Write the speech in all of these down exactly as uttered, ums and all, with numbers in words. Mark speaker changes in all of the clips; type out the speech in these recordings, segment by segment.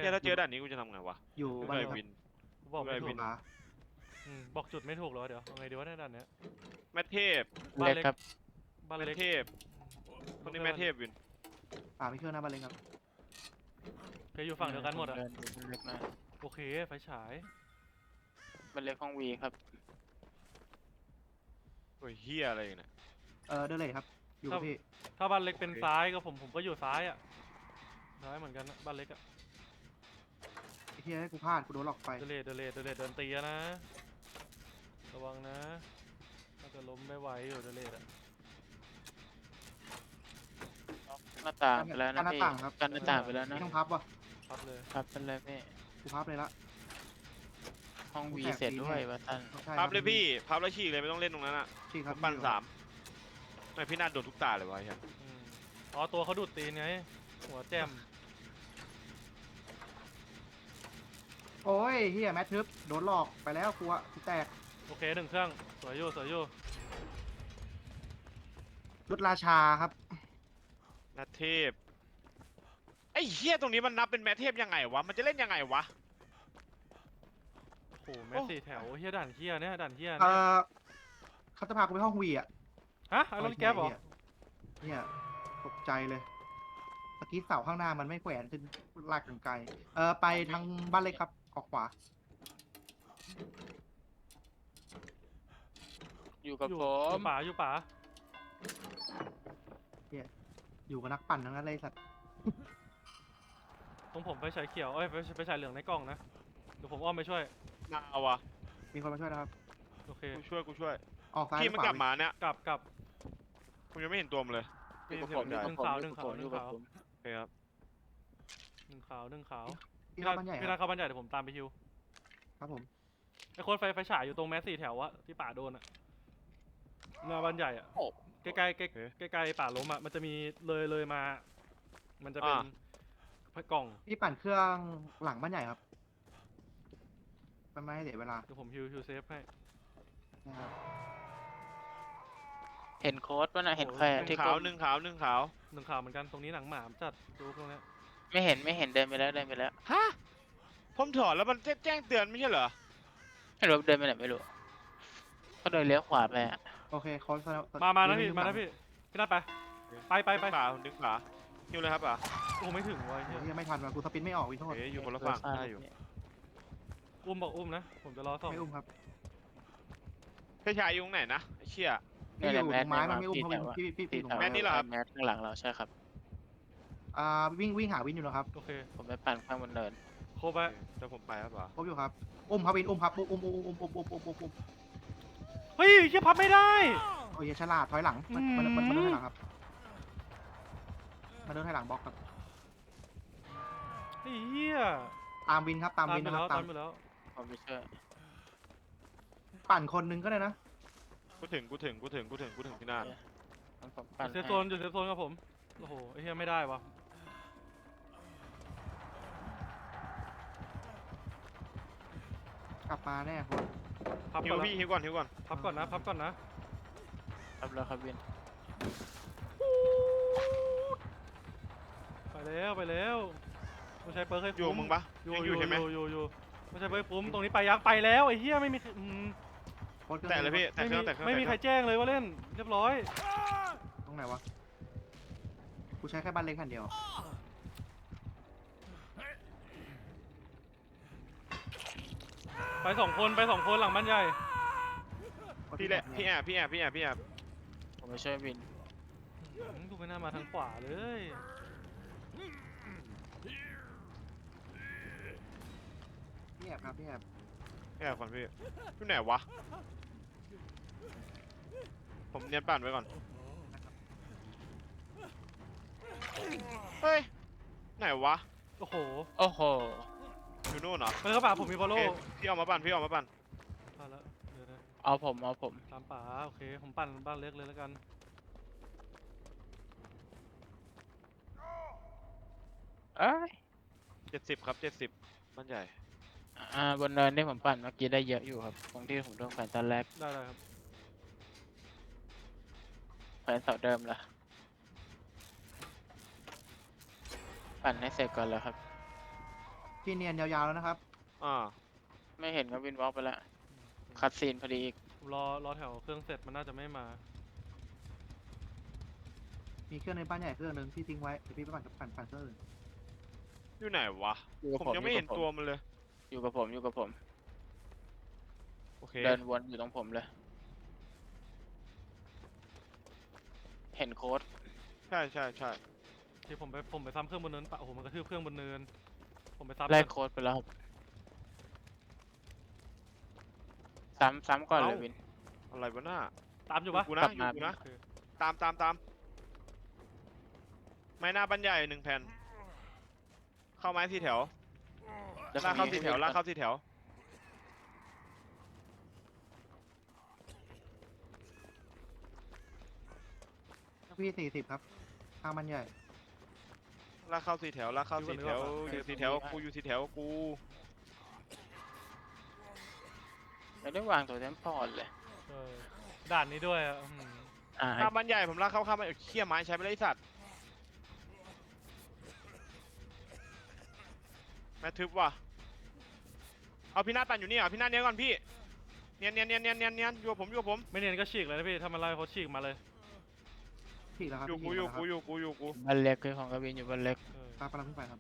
Speaker 1: เนี่ยถ้าเจอด่านนี้กูจะทำไงวะ
Speaker 2: อยู่
Speaker 1: กู
Speaker 2: บ้าน
Speaker 1: เล
Speaker 2: เลย ย
Speaker 1: วิน
Speaker 3: บอกไม่
Speaker 1: ไม่
Speaker 3: ถู
Speaker 1: วิ
Speaker 3: ก
Speaker 1: น
Speaker 2: ขา
Speaker 3: อืมบอกจุดไม่ถูกแล้วเดี๋ยวเอาไงดีวะในด่านเนี้ย
Speaker 1: แม่เทพ
Speaker 3: บ้าน
Speaker 4: เล็ก
Speaker 3: เล็ก
Speaker 4: ครับ
Speaker 3: บ้าน
Speaker 1: แม่
Speaker 3: เล็ก
Speaker 1: เทพคนนี้แม่เทพวิน
Speaker 2: ป่าไม่เครื่องหน้าบ้านเลยครับ
Speaker 3: เคยอยู่ฝั่งเดียวกันหมดอ่ะ
Speaker 4: เดินดูมันเล็กนะ
Speaker 3: โอเคไฟฉาย
Speaker 4: มันเล็กห้องวีครับ
Speaker 1: โอ้ยเฮียอะไรเนี่ย
Speaker 2: เออเดินเลยครับ อยู่กับพี่
Speaker 3: ถ้าบ้านเล็กเป็น
Speaker 1: โอเค
Speaker 3: ซ้ายก็ผมผมก็อยู่ซ้ายอ่ะซ้ายเหมือนกันนะบ้านเล็กอ่ะ
Speaker 2: ไอ้เหี้ยให้กูพลาดกูโดนหลอกไป
Speaker 3: เดเลดเดเลดเดเลดเดินตีอะนะระวังนะน่าจะล้มไม่ไหวอยู่เดเลดอ่ะ
Speaker 4: หน้าต่างไปแล้ว
Speaker 2: กั
Speaker 4: นะ
Speaker 2: นหน้า
Speaker 4: พี่
Speaker 2: ต่างครับ
Speaker 4: กันหน้าต่างไปแล้วนะ
Speaker 2: ไม่ต้องพับว่ะ
Speaker 3: พับเลย
Speaker 4: ครับเป็นไรพี่
Speaker 2: กูพับเลยละ
Speaker 4: ห้องวี
Speaker 2: แตก
Speaker 4: เสร็จ
Speaker 2: ฟรี
Speaker 4: ด้วย
Speaker 2: แน่
Speaker 4: วะท่าน
Speaker 2: ใช่
Speaker 1: พับเลยพี่พับแล้วฉีกเลยไม่ต้องเล่นตรงนั้นอ่ะ
Speaker 2: ชี้ค
Speaker 1: ผ
Speaker 2: รับ
Speaker 1: มปั่นสามไม่พี่นาดโดนทุกตาเลยวะไอ้เฮีย
Speaker 3: อืมอ๋อตัวเขาดูดตีนไงหัวแจ่ม
Speaker 2: โอ้ยเฮียแมททึบโดนหลอกไปแล้วกูอะกูแตก
Speaker 3: โอเคหนึ่งเครื่องสวยอยู่สวยอยู่
Speaker 2: รุดราชาครับ
Speaker 1: แม่เทพไอ้เฮียตรงนี้มันนับเป็นแม่เทพยังไงวะมันจะเล่นยังไงวะ
Speaker 3: โอ้โหแม่สี่แถวเฮียด่านเฮียเนี่ยด่านเฮีย
Speaker 2: เอ
Speaker 3: เนี่ย
Speaker 2: อเขาจะพากูไปห้องวีอะ
Speaker 3: ฮะไอรอนแก๊ปเหรอ
Speaker 2: เนี่ยตกใจเลยเมื่อกี้เสาข้างหน้ามันไม่แขวนขึ้นลากกันไกลเออไปทางบ้านเล็กครับออกขวา
Speaker 4: อยู่กับ
Speaker 3: อยู่
Speaker 4: ผ
Speaker 3: อ
Speaker 4: ม
Speaker 3: ยู่ป่าอยู่ป่า
Speaker 2: อยู่กับนักปั่นทั้งนั้นเลยสัตว์
Speaker 3: ตรงผมไฟฉายเขียวเอ้ยไฟไฟฉายเหลืองในกล้องนะเดี๋ยวผมอ้อมไปช่วย
Speaker 1: มาวะ
Speaker 2: มีคนมาช่วยนะครับ
Speaker 3: โอเค
Speaker 1: กูช่วยกูช่วย
Speaker 2: ออกซ้าย
Speaker 1: พี่
Speaker 2: ห
Speaker 1: มั
Speaker 2: รื
Speaker 1: น
Speaker 2: อก เป
Speaker 1: ลับ
Speaker 2: ล่า
Speaker 1: มาเนี่ย
Speaker 3: กลับกลับ
Speaker 1: ผมยังไม่เห็นตัวมันเลย
Speaker 4: อยู่กับ
Speaker 1: พี่
Speaker 4: ผม
Speaker 1: เสี
Speaker 4: อย ยู่
Speaker 1: ง
Speaker 4: กับ
Speaker 1: ได้
Speaker 4: ผมอยู่กับผมอยู่กับผม
Speaker 1: โอเคครับ
Speaker 3: หนึ่งขาวหนึ่งขาว
Speaker 2: ที่
Speaker 3: พี่
Speaker 2: เข้า
Speaker 3: นา
Speaker 2: บ้านใหญ่
Speaker 3: พี่
Speaker 2: ค
Speaker 3: นา
Speaker 2: รับ
Speaker 3: เข้าบ้านใหญ่เดี๋ยวผมตามไปฮิว
Speaker 2: ครับผม
Speaker 3: ไอ้โค้ดไฟไฟฉายอยู่ตรงแมสสี่แถวอะที่ป่าโดนอะหน้าบ้านใหญ่อะ
Speaker 4: โอ้
Speaker 3: ใกล้ใกล้ใกล้ใกล้ใกล้ๆป่าล้มอะมันจะมีเลยเลยมา มันจะเป็นกล่อง
Speaker 2: พี่ปั่นเครื่องหลังบ้านใหญ่ครับมันไม่ให้เสียเวลา
Speaker 3: เดี๋ยวผมฮิวฮิวเซฟให้
Speaker 2: นะครับ
Speaker 4: เห็นโค้ดป่ะนะเห็นใคร
Speaker 1: ห
Speaker 4: อะ
Speaker 1: นึ่ง
Speaker 4: ที่
Speaker 1: ขา
Speaker 4: ก้
Speaker 1: ว
Speaker 4: ม
Speaker 1: หนึ่งขาวหนึ่งขาว
Speaker 3: หนึ่งขาวเหมือนกันตรงนี้หนังหมามจัดดูตรงเนี้ย
Speaker 4: ไม่เห็นไม่เห็นเดินไปแล้วเดินไปแล้ว
Speaker 1: ฮะผมถอดแล้วมันแจ้งเตือนไม่ใช่เหรอ
Speaker 4: ไม่รู้เดินไปไหนไม่รู้ก็เดินเลี้ยวขวาไปอะ
Speaker 2: โอเคคอน
Speaker 3: มามานะพี่มานะพี่พี่นัดไปไปไปไป
Speaker 1: ดึงขาดึงขาฮิวเลยครับอ่ะ
Speaker 3: โอ้ไม่ถึงวะเฮีย
Speaker 2: ยังไม่ทันว่ะกูสปินไม่ออกวินโทษ
Speaker 1: เอ๊ะอยู่คนละฝั่งได้อยู่
Speaker 3: อุ้มบอกอุ้มนะผมจะรอส่อง
Speaker 2: ไม่อุ้มครับ
Speaker 1: พี่ชายอยู่ตรงไหนนะไอ้เชี่ย
Speaker 2: ไม่อยู่ตรงไม้มันไม่อุ้ม
Speaker 4: ที่
Speaker 2: เขา
Speaker 4: แถ
Speaker 2: เป็น
Speaker 4: วอะ
Speaker 2: พี่พี่
Speaker 4: ที่
Speaker 2: พี่ตร
Speaker 4: แถ
Speaker 2: ง
Speaker 4: ว
Speaker 2: ไม้
Speaker 1: แมทนี่เหรอครับ
Speaker 4: แมทข้างหลังเราใช่ครับ
Speaker 2: อ่าวิ่งวิ่งหาวินอยู่นะครับ
Speaker 3: โอเค
Speaker 4: ผมไปปั่นข้างบนเนิน
Speaker 3: โครบไป
Speaker 1: เดี๋ยวผมไปครับอ่ะ
Speaker 2: พบอยู่ครับอุ้มครับวินอุ้มครับอุ้มอุ้มอุ้มอุ้มอุ้มอุ้มอุ้มอุ้มอุ้ม
Speaker 3: เฮ้ยเฮียพับไม่ได้
Speaker 2: โอ้ยฉลาดถอยหลังมันมันมันมันเดินถอยหลังครับมันเดินถอยหลังบล็อกครับ
Speaker 3: ไอ้เฮีย
Speaker 2: ตามวินครับตาม
Speaker 3: ตาม
Speaker 2: วิน
Speaker 3: ไป
Speaker 2: นะค
Speaker 3: แล้
Speaker 2: รั
Speaker 3: ว
Speaker 2: บ
Speaker 3: ตา
Speaker 2: ตาม
Speaker 3: มไปแล้ว
Speaker 4: ผมไปช่วย
Speaker 2: ปั่นคนนึงก็ได้นะ
Speaker 1: กูถึงกูถึงกูถึงกูถึงกูถึงที่นั่น
Speaker 4: งั้นผมปั่น
Speaker 3: เซฟ
Speaker 4: ให้
Speaker 3: โซนอยู่เซฟโซนกับผมโอ้โหไอ้เฮียไม่ได้วะ
Speaker 2: กลับมาแน่คน
Speaker 3: พับ
Speaker 1: ฮิ
Speaker 3: ก่
Speaker 1: ว
Speaker 3: อนนะ
Speaker 1: พี่ฮิวก่อนฮิวก่อน
Speaker 3: พับก่อนนะพับก่อนนะ
Speaker 4: ครับแล้วครับวิน
Speaker 3: ไปแล้วไปแล้วไม่ใช่เปิร์กให้
Speaker 1: อยู่
Speaker 3: ฟุ้
Speaker 1: มึงปะ
Speaker 3: อยู่
Speaker 1: ยัง
Speaker 3: อ
Speaker 1: อยู่ ยู่ใช่ไหม
Speaker 3: อยู่อยู่อยู่ไม่ใช่เปิร์กฟุ้มตรงนี้ไปยักษ์ไปแล้วไอ้เฮียไม่มีอืม
Speaker 2: โค้ดครื่อง
Speaker 1: แตะเลยพี่แตะ
Speaker 3: ไม่
Speaker 1: เค
Speaker 3: มี
Speaker 1: รื่องแตะเครื่อง
Speaker 3: ไม่มีใคร
Speaker 1: แตะเคอง
Speaker 3: แจ้งเลยว่าเล่นเรียบร้อย
Speaker 2: ตรงไหนวะกูใช้แค่บ้านเล็กคันเดียว
Speaker 3: ไปสองคนไปสองคนหลังบ้านใหญ่
Speaker 1: พี่แหละพี่แอบพี่แอบพี่แอบพี่แอบ
Speaker 4: ผมไปช่วยวิน
Speaker 3: อืมกูไม่น่ามาทางขวาเลย
Speaker 2: พี่แอบครับพี่แอบ
Speaker 1: พี่แอบก่อนพี่พี่ไหนวะผมเนียนปั่นไว้ก่อนเฮ้ยไหนวะ
Speaker 3: โอ้โห
Speaker 4: โอ้โห
Speaker 1: อยู่นู่นเหรอ
Speaker 3: ไปเข้าป่าผมมีบอล
Speaker 1: โอ
Speaker 3: โล่
Speaker 1: เคพี่เอามาปั่นพี่เอามาปั่น
Speaker 3: เอาละเดี๋ยวนะ
Speaker 4: เอาผมเอาผม
Speaker 3: ตามป่าโอเคผมปั่นบ้านเล็กเลยแล้วกัน
Speaker 4: เอ้ย
Speaker 1: เจ็ดสิบครับเจ็ดสิบมันใหญ่
Speaker 4: อ่าบนเนินที่ผมปั่นเมื่อกี้ได้เยอะอยู่ครับตรงที่ผมโดนแขวนตอนแรก
Speaker 3: ได้ได้ครับ
Speaker 4: แขวนเสาเดิมละปั่นให้เสร็จก่อนแล้วครับ
Speaker 2: พี่เนียนยาวๆแล้วนะครับ
Speaker 1: อ่า
Speaker 4: ไม่เห็นก็วินวอล์กไปแล้วคัดซีนพอดีอีก
Speaker 3: ผมรอรอแถวเครื่องเสร็จมันน่าจะไม่มา
Speaker 2: มีเครื่องในบ้านใหญ่เครื่องหนึ่งที่ทิ้งไว้เดี๋ยวพี่ไปปั่นกับปั่นปั่นเครื่องอื่น
Speaker 1: อยู่ไหนวะ
Speaker 4: อยู่กับ
Speaker 1: ผม
Speaker 4: ผม
Speaker 1: ยังไม่เห็นตัวมันเลย
Speaker 4: อยู่กับผมอยู่กับผม
Speaker 1: โอเค
Speaker 4: เดินวนอยู่ตรงผมเลย เห็นโค้ด
Speaker 1: ใช่ใช่ใช่
Speaker 3: ที่ผมไปผมไปซ้ำเครื่องบนเนินปะโอ้โหมันกระทืบเครื่องบนเนิน ผมไปซ้ำ
Speaker 4: ไล่
Speaker 3: มัน
Speaker 4: โค้ดไปแล้วครับซ้ำซ้ำก่อนเลยวิน
Speaker 1: อะไรวะหน้า
Speaker 3: ตามอยู่ปะ
Speaker 1: กูนะ
Speaker 4: กลับ
Speaker 1: อยู่
Speaker 4: มา
Speaker 1: กูนะ
Speaker 3: โอเค
Speaker 1: ตามตามตามไม้หน้าบันใหญ่หนึ่งแผ่น เข้าไม้สี่แถว
Speaker 4: แล้ว
Speaker 1: ลากเข้า
Speaker 4: มี
Speaker 1: สี่แถว
Speaker 4: ให้
Speaker 1: ลากเข้าสี่แถว
Speaker 2: พี่สี่สิบครับข้างมันใหญ่
Speaker 1: ลากเข้าสี่แถว ลากเข้าสี่แถว อยู่สี่แถว กูอยู่สี่แถว กู
Speaker 4: ไม่ได้วางตัวเทมพอร์ตเลย
Speaker 3: เออด่านนี้ด้วยอ่ะอื้อหือ
Speaker 4: อ่า
Speaker 1: ข้ามบันใหญ่ผมลากเข้าข้ามบันเขี้ยไม้ใช้ไม่ได้ไอ้สัตว์แม่ทึบว่ะ เอาพี่นาฏปั่นอยู่นี่เหรอพี่นาฏเนี้ยก่อนพี่ เนียนเนียนเนียนเนียนเนียนเนียนอยู่กับผมอยู่กับผม
Speaker 3: ไม่เนียนก็ฉีกเลยนะพี่ถ้ามันไล่เขาฉีกมาเลย
Speaker 2: พี่แล้วครับ
Speaker 1: อยู่กู
Speaker 2: พี่
Speaker 1: อยู่
Speaker 2: แล้วค
Speaker 1: กู
Speaker 2: รับ
Speaker 1: อยู่กูอยู่กู
Speaker 4: บันเล็กคือของกวินอยู่บันเล็ก
Speaker 3: เออ
Speaker 2: ตามกำลังขึ้นไปครับ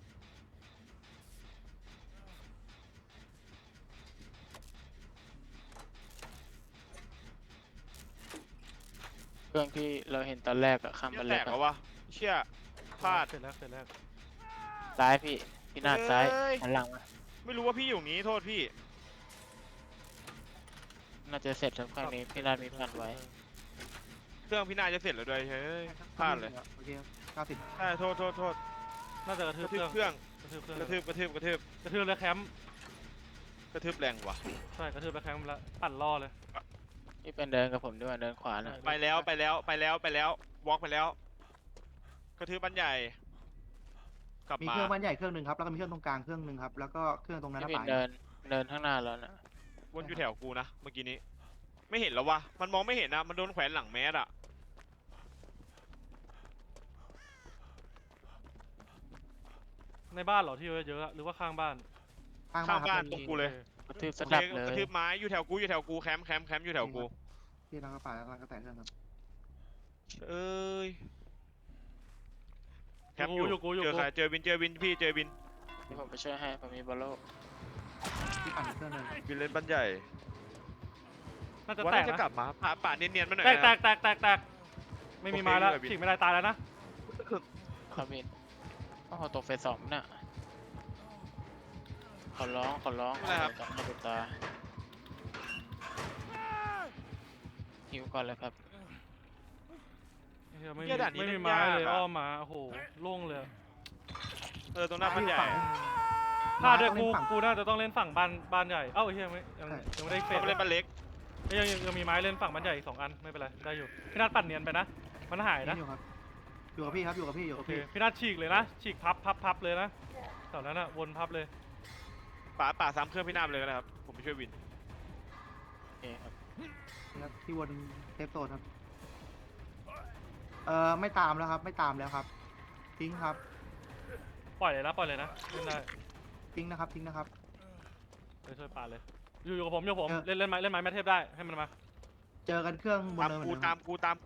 Speaker 4: เครื่องที่เราเห็นตอนแรกอะข้าม
Speaker 1: เชี่
Speaker 4: บั
Speaker 1: ย
Speaker 4: น
Speaker 1: แต
Speaker 4: เล็ก
Speaker 1: ก
Speaker 4: อะ
Speaker 1: แล้ววะเชี่ยพลาด
Speaker 3: เสร็จแล้วเสร็จแล้ว
Speaker 4: ซ้ายพี่พี่นาดซ้าย
Speaker 1: เอ้ย
Speaker 4: หันหลังมา
Speaker 1: ไม่รู้ว่าพี่อยู่อย่างนี้โทษพี่
Speaker 4: น่าจะเสร็จแล้วครั้งนี้พี่นาดมีพันไว้
Speaker 1: เครื่องพี่นาฏจะเสร็จแล้วด้วยเฮ้ยพลาดเลย
Speaker 2: โอเคเก้าสิบ
Speaker 1: ใช่โทษโทษโทษ
Speaker 3: น่าจะกระ
Speaker 1: ก
Speaker 3: ทืบ
Speaker 1: ระ
Speaker 3: เค
Speaker 1: ทื
Speaker 3: รื่
Speaker 1: บ
Speaker 3: อง
Speaker 1: เครื่อง
Speaker 3: กระทืบเครื่อง
Speaker 1: กระทืบกระทืบกระทืบ
Speaker 3: กระทืบแล้วแคมป์
Speaker 1: กระทืบแรงว่ะ
Speaker 3: ใช่กระทืบแล้วแคมป์แล้วปั่นล่อเลย
Speaker 4: นี่เป็นเดินกับผมด้วยเดินขวานะ
Speaker 1: ไปแล้วไปแล้วไปแล้วไปแล้ววอล์กไปแล้ว กระทืบบันใหญ่ กลับ
Speaker 2: มี
Speaker 1: มา
Speaker 2: เครื่องบ้านใหญ่เครื่องหนึ่งครับแล้วก็มีเครื่องตรงกลางเครื่องหนึ่งครับแล้วก็เครื่องตรงนั้น
Speaker 4: พี่
Speaker 2: นะ
Speaker 4: วิน
Speaker 2: ป่าย
Speaker 4: เดินเดินข้างหน้าแล้วนะ
Speaker 1: วนอยู่แถวกูนะเมื่อกี้นี้ ไม่เห็นแล้ววะมันมองไม่เห็นนะมันโดนแขวนหลังแมสอะ
Speaker 3: ในบ้านเหรอที่เยอะๆอะหรือว่าข้างบ้าน
Speaker 2: ข้าง
Speaker 1: ข้าง
Speaker 2: บ้า
Speaker 1: บ้าน น
Speaker 2: ค
Speaker 1: ต
Speaker 2: รับ
Speaker 1: รงกูเลย
Speaker 4: กระทืบส
Speaker 1: โอเค
Speaker 4: ดับเล
Speaker 1: กระ
Speaker 4: ย
Speaker 1: ทืบไม้อยู่แถวกูอยู่แถวกูแคมป์แคมป์แคมป์อยู่แถวกู
Speaker 2: พี่แล้วก็ป่าแล้วก็แตะเครื่องครับ
Speaker 1: เอ้ยแคมป์
Speaker 3: อ
Speaker 1: อยู่ ยู่
Speaker 3: กูอยู่
Speaker 1: เจอ
Speaker 3: กู
Speaker 1: ใครเจอวินเจอวินพี่เจอวิน
Speaker 4: นี่ผมไปช่วยให้ผมมีบอลโล
Speaker 2: พี่ปั่นอีกเครื่องหนึ่ง
Speaker 1: วินเล่นบันใหญ่
Speaker 3: น่าจะ
Speaker 1: ว่า
Speaker 3: แต
Speaker 1: น่าก จะ
Speaker 3: นะ
Speaker 1: กลับมาป่าป่าเนียนๆมาหน่อย
Speaker 3: แตก
Speaker 1: นะ
Speaker 3: แตกแตกแตกแตกไม่มีไม้แล้ว
Speaker 1: โอเค
Speaker 3: ฉีกไม่ได้ตายแล้วนะ
Speaker 4: ครับวินโอ้โหตกเฟสสองน่ะขอร้องขอร้องขอร้องจับหน้าจับตาหิวก่อนเลยครับ
Speaker 3: เหี้ยไม่
Speaker 1: เหี้
Speaker 3: มี
Speaker 1: ยด่านนี้
Speaker 3: ไม่มี
Speaker 1: เล่น
Speaker 3: ไม้
Speaker 1: ยาก
Speaker 3: เลย
Speaker 1: อะ
Speaker 3: อ้อมมาโอ้โหโล่งเลย
Speaker 1: เออตรงหน้าบันใหญ่
Speaker 3: พลาดด้วย
Speaker 2: ต้อง
Speaker 3: กู
Speaker 2: เล่นฝั่ง
Speaker 3: กูน่าจะต้องเล่นฝั่งบ้านบ้านใหญ่เอ้าไอ้เหี้ยไม่ยัง
Speaker 2: ใช่
Speaker 3: ยังไม่ได้เฟ
Speaker 1: เขา
Speaker 3: ส
Speaker 1: ไปเล่นบันเล็ก
Speaker 3: ยังยังยังมีไม้เล่นฝั่งบ้านใหญ่อีกสองอันไม่เป็นไรได้อยู่พี่นัทปั่นเนียนไปนะมันหายนะ
Speaker 2: อยู่ครับอยู่กับพี่ครับอยู่กับพี่อยู่
Speaker 3: โอ
Speaker 2: กับ
Speaker 3: เค
Speaker 2: พี่
Speaker 3: พี่นัทฉีกเลยนะฉีกพับพับพับเลยนะแถวนั้นอะวนพับเลย
Speaker 1: ป่าป่าซ้ำเครื่องพี่นาฏเลยก็ได้ครับผมไปช่วยวิน
Speaker 4: โอเคครับ
Speaker 2: แล้วที่วนเทปโซนครับเอ่อไม่ตามแล้วครับ ไม่ตามแล้วครับ ทิ้งครับ
Speaker 3: ปล่อยเลยนะปล่อยเลยนะเล่นได้
Speaker 2: ทิ้งนะครับทิ้งนะครับ
Speaker 3: ไปช่วยป่าเลยอยู่อยู่กับผมอยู่กับผม
Speaker 2: เออ
Speaker 3: เล่นเล่นไม้เล่นไม้แมทเทพได้ให้มันมา
Speaker 2: เจอกันเครื่องบน
Speaker 1: ตาม
Speaker 2: เนินเหมื
Speaker 1: กู
Speaker 2: อนเดิ
Speaker 1: ตาม
Speaker 2: ม
Speaker 1: กูตามกู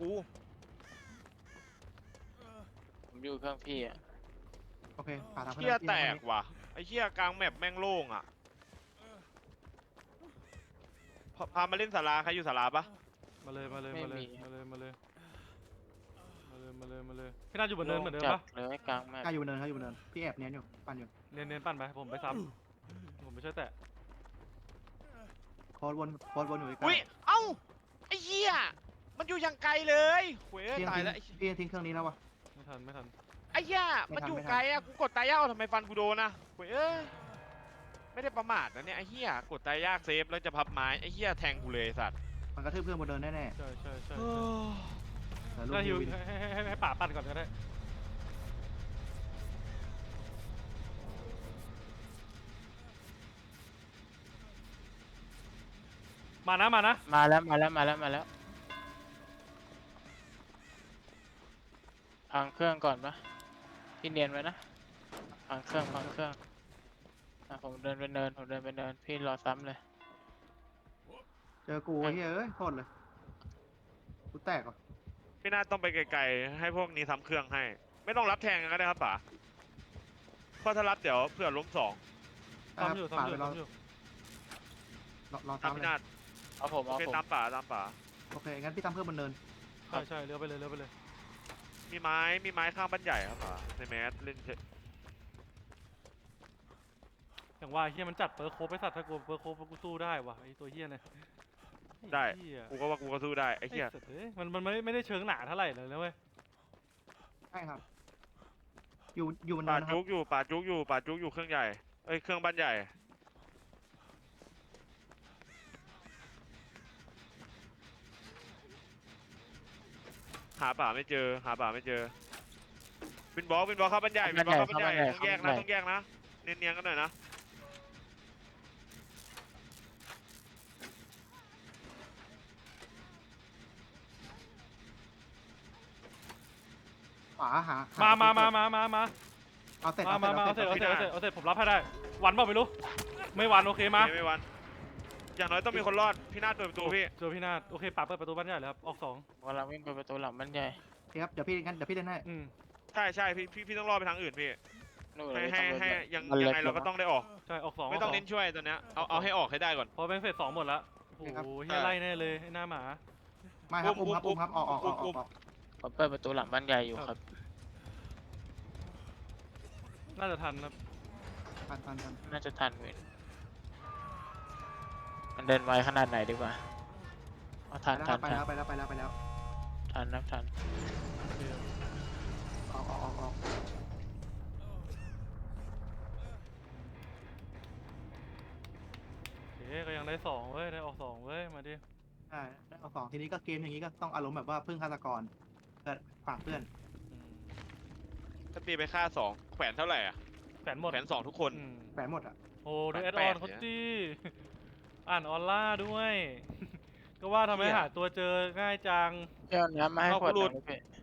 Speaker 4: ผมอยู่เครื่องพี่อ่ะ
Speaker 2: โอเคป่าทำ
Speaker 1: เชี่ยแตกว่ะไอ้เชี่ยกลางแมปแม่งโล่งอ่ะพาพามาเล่นศาลาใครอยู่ศาลาปะ
Speaker 3: มาเลยมาเลยมาเลยมาเลยมาเลยมาเลยมาเลยมาเลยพี่นัทอยู่บนเนินเหมือนเดิม
Speaker 4: จั
Speaker 3: ปะ
Speaker 4: ดเลยกลางแมป
Speaker 2: กล้าอยู่บนเนินครับอยู่บนเนินพี่แอบเนียนอยู่ปั่นอยู่
Speaker 3: เนียนเนียนปั่นไปผมไปซ้ำผมไปช่วยแตะ
Speaker 2: โคตรวนโคตรวนอยู่ใกล้
Speaker 1: อุ้ยเอ้าไอ้เหี้ยมันอยู่อย่างไกลเลยเว้ย
Speaker 2: พี่ยัง
Speaker 1: ตาย
Speaker 2: ทิ้ง
Speaker 1: แล้วไอ้
Speaker 2: พี่ยังทิ้งเครื่องนี้แล้ววะ
Speaker 3: ไม่ทันไม่ทัน
Speaker 1: ไอ้เหี้ย
Speaker 2: ไม่
Speaker 1: มัน
Speaker 2: ทัน
Speaker 1: อยู่
Speaker 2: ไม่ทัน
Speaker 1: ไกลอะกูกดตายยากเอาทำไมฟันกูโดนนะเว้ยเอ้ยไม่ได้ประมาทนะเนี่ยไอ้เหี้ยกดตายยากเซฟแล้วจะพับไม้ไอ้เหี้ยแทงกูเลยไอ้สัตว์
Speaker 2: มันกระทืบเครื่องบนเนินแน่
Speaker 3: ใช่ใช่ใช่
Speaker 1: เออ
Speaker 2: ๆแต่ลูก
Speaker 3: ก็ฮิ
Speaker 2: ฮิ
Speaker 3: ว
Speaker 2: ววิน
Speaker 3: ให้ให้ให้ให้ป่าปั่นก่อนก็ได้มานะมานะ
Speaker 4: มาแล้วมาแล้วมาแล้วมาแล้วพังเครื่องก่อนปะพี่เนียนไว้นะพังเครื่องพังเครื่องอ่ะผมเดินไปเนินผมเดินไปเนินพี่รอซ้ำเลย
Speaker 2: เจอกูไอ้เหี้ยเอ้ยโทษเลยกูแตกว่ะ
Speaker 1: พี่นาต้องไปไกลๆให้พวกนี้ทำเครื่องให้ ไม่ต้องรับแทงกันก็ได้ครับป๋าเพราะถ้ารับเดี๋ยวเผื่อล้มสอง
Speaker 2: อ่ะ
Speaker 3: ซ้ำอยู่
Speaker 2: ป่า
Speaker 3: ซ้ำอ
Speaker 2: ไป
Speaker 3: ยู่
Speaker 2: รอ
Speaker 3: ซ้ำอยู่
Speaker 2: รอรอ
Speaker 1: ตาม
Speaker 2: ซ้ำ
Speaker 1: พี่
Speaker 2: เลย
Speaker 1: นา
Speaker 4: เอาผม
Speaker 1: โอ
Speaker 4: เอา
Speaker 1: เค
Speaker 4: ผม
Speaker 1: ตามป๋าตามป๋า
Speaker 2: โอเคงั้นพี่ทำเพิ่มบนเนิน
Speaker 3: ใช่ใช่เลี้ยวไปเลยเลี้ยวไปเลย
Speaker 1: มีไม้มีไม้ข้างบ้านใหญ่ครับป๋าในแมสเล่นเฉย
Speaker 3: อย่างว่าเฮียมันจัดเปิร์โคบไปสัตว์ถ้ากูเปิร์โคบกูสู้ได้วะไอตัวเฮียเนี่ย
Speaker 1: ได้
Speaker 3: อ้เหี้ย
Speaker 1: กูก็ว่ากูก็สู้ได้ไอ้เหี้ย
Speaker 3: ไอ้สัตว์เอ้ยมันมันไม่ไม่ได้เชิงหนาเท่าไหร่เลยนะเว้ย
Speaker 2: ใช่ครับ อยู่อยู่บน
Speaker 1: ป่า
Speaker 2: เนินนะครั
Speaker 1: จุ
Speaker 2: บ
Speaker 1: กอยู่ป่าจุกอยู่ป่าจุกอยู่เครื่องใหญ่เอ้ยเครื่องบ้านใหญ่หาป่าไม่เจอหาป่าไม่เจอวินบอลวินบอลเข้าบ้านใหญ่วินบอลเข้าบ้านใหญ่ต้องแยกนะต้องแยกนะเนียนๆกันหน่อยนะ
Speaker 2: ขวาหาห
Speaker 3: มามามา
Speaker 2: เ
Speaker 3: มามามา
Speaker 2: เอาเสร็จ
Speaker 3: มา
Speaker 2: เอา
Speaker 3: มา
Speaker 2: เสร็จ
Speaker 3: มา
Speaker 2: เอา
Speaker 3: เอา
Speaker 2: เส
Speaker 3: เส
Speaker 2: ร็
Speaker 3: ร็
Speaker 2: จ
Speaker 3: จเอาเสร็จเอาเสร็จผมรับให้ได้ วันเปล่าไม่รู้ ไม่วันโอเคมา
Speaker 1: ไม่ไม่วันอย่างน้อยต้องมีคนรอดพี่นาฏเปิดประตูพี่
Speaker 3: เจอพี่นาฏโอเคป่าเปิดประตูบ้านใหญ่เลยครับออกสอง
Speaker 4: กำลังวิ่งไปประตูหลังบ้านใหญ่
Speaker 2: โอเคครับเดี๋ยวพี่งั้นเดี๋ยวพี่เล่นให้
Speaker 3: อืม
Speaker 1: ใช่ใช่พี่พี่พี่ต้องรอดไปทางอื่นพี่
Speaker 4: นู่น
Speaker 1: ให้
Speaker 4: เลย
Speaker 1: ให้
Speaker 4: ตำรวจ
Speaker 1: ให้
Speaker 4: เลย
Speaker 1: ยัง
Speaker 4: มัน
Speaker 1: ยัง
Speaker 4: เล็ก
Speaker 1: ไงเราก็
Speaker 4: ลง
Speaker 1: ต้องได้ออก
Speaker 3: ใช่ออกสอง
Speaker 1: ไม่ต้องเน้นช่วยตอนเนี้ยเอาเอาให้ออกให้ได้ก่อน
Speaker 3: พอแบงค์เฟสสองหมดละโอ้โหเฮียไล่แน่เลยไอ้หน้าหมา
Speaker 2: ไม่ครับ
Speaker 1: อุ้
Speaker 2: อุ้
Speaker 1: ม
Speaker 2: มครับ
Speaker 1: อุ้
Speaker 2: อุ้
Speaker 1: ม
Speaker 2: มครับออกออกออกอ
Speaker 1: อุ้
Speaker 2: อก
Speaker 1: ม
Speaker 2: ออก
Speaker 4: ผมเปิดประตูหลังบ้านใหญ่อยู่ครับ
Speaker 3: น่าจะทันครับ
Speaker 2: ทันทันทัน
Speaker 4: น่าจะทันเว้ยมันเดินไวขนาดไหนดีกว่าเอาทัน
Speaker 2: ไปแล้ว
Speaker 4: ทั
Speaker 2: คน รับไป
Speaker 4: ทั
Speaker 2: แล้
Speaker 4: น
Speaker 2: วไปแล้วไปแล้วไปแล้ว
Speaker 4: ทันนะทัน
Speaker 2: ออกออกออกออก
Speaker 3: โอเคก็ยังได้สองเว้ยได้ออกสองเว้ยมาดิ
Speaker 2: ใช่ได้เอาสองทีนี้ก็เกมอย่างนี้ก็ต้องอารมณ์แบบว่าพึ่งฆาตกรเพื่อนฝากเพื่อน
Speaker 3: อืม
Speaker 1: ถ้าตีไปฆ่าสองแขวนเท่าไหร่อ่ะ
Speaker 3: แฝนหมด
Speaker 1: แขวนสองทุกคน
Speaker 3: อืม
Speaker 2: แฝงหมดอ่ะ
Speaker 3: โอ้ดู
Speaker 1: แป
Speaker 3: แอ
Speaker 1: ด
Speaker 3: ด
Speaker 1: แป
Speaker 3: ออ
Speaker 1: ด
Speaker 3: นเขา
Speaker 1: เนี่ย
Speaker 3: จีอ่านออนล่าด้วย ก็ว่าทำไม
Speaker 1: เหี้ย
Speaker 3: หาตัวเจอง่ายจัง
Speaker 4: เจ้าน้ำมาให้
Speaker 1: เอา
Speaker 4: ขวด
Speaker 1: กูหลุ
Speaker 4: หนึ่
Speaker 1: ด
Speaker 4: งพี่